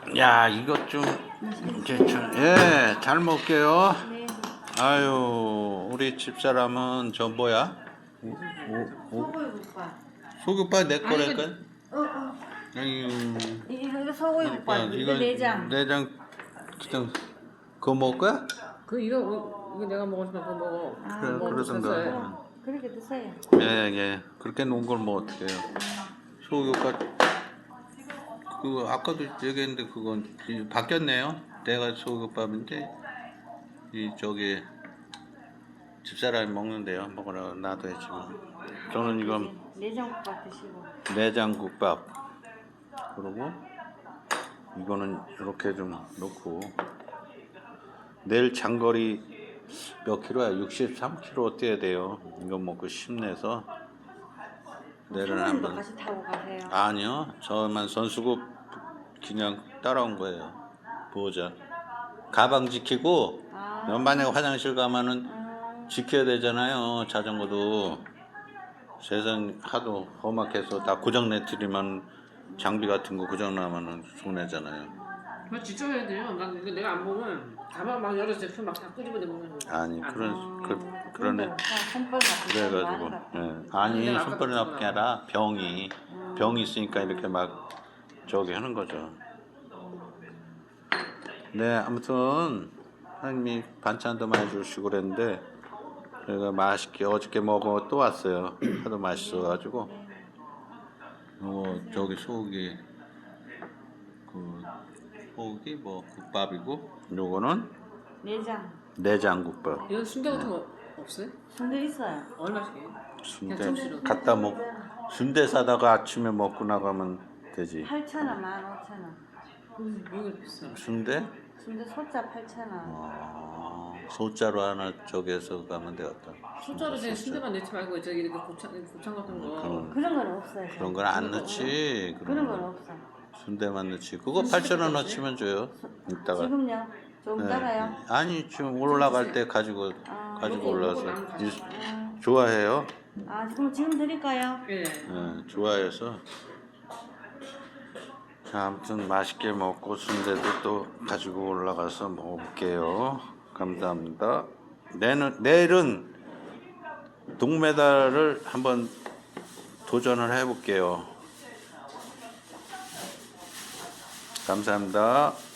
야, 이것 좀, 예, 잘 먹게요. 네. 아유, 우리 집사람은 저 뭐야? 소고기국밥. 소금밥 내 거랄까? 어. 아유, 이거 소고기국밥. 이거 내장. 내장, 그냥, 그거 먹을 거야? 이거 내가 먹고 싶어 그거 먹어. 그래, 뭐 그러던가. 드셨어요? 그렇게 드세요. 예. 그렇게 놓은 걸 뭐 어떡해요. 소금밥, 그거 아까도 얘기했는데 그건 바뀌었네요. 내가 소금밥인데, 저기, 집사람이 먹는데요. 먹으라고 놔둬야지 뭐. 저는 이건 내장국밥 드시고. 내장국밥. 그리고 이거는 이렇게 좀 넣고. 내일 장거리 몇 킬로야? 63km 뛰어야 돼요. 이거 먹고 힘내서 내일은 사모님도 한번. 같이 타고 가세요. 아니요, 저만 선수급 그냥 따라온 거예요. 보호자. 가방 지키고. 만약에 화장실 가면은 지켜야 되잖아요. 자전거도. 세상 하도 험악해서 다 고장내트리면 장비 같은 거 고장나면은 손해잖아요. 그거 직접 해야 돼요. 난 이거 내가 안 보면 가방 막 여러 제품 막 다 끄집어내 먹는 거. 아니 그러네. 손벌 같은 거 그래가지고 많이 예. 아니 내가 손발이 아까 나쁜 게 아니라 병이 있으니까 이렇게 막 저기 하는 거죠. 네, 아무튼 하나님이 반찬도 많이 주시고 그랬는데 제가 맛있게 어저께 먹어 또 왔어요. 하도 맛있어가지고 저기 소고기 소고기 뭐 국밥이고 요거는 내장국밥. 이건 순대 같은 거 없어요? 순대 있어요. 얼마씩 해요? 순대 갖다 먹 순대 사다가 아침에 먹고 나가면 되지. 8,000원, 15,000원. 이거 비싸. 순대? 순대 소자 8,000원. 소자로 하나 저기에서 가면 되겠다. 숫자로 그냥 순대만 넣지 말고 저기 이렇게 곱창 같은 거. 그런 건 없어요. 그런 건 안 넣지. 그런 건 없어. 순대만 넣지. 그거 8,000원 넣치면 줘요. 이따가. 지금요? 좀 네. 따라요. 아니 지금 올라갈 때 가지고 올라와서 좋아해요. 지금 드릴까요? 예. 네, 좋아해서. 자, 아무튼 맛있게 먹고 순대도 또 가지고 올라가서 먹을게요. 감사합니다. 내일은 동메달을 한번 도전을 해볼게요. 감사합니다.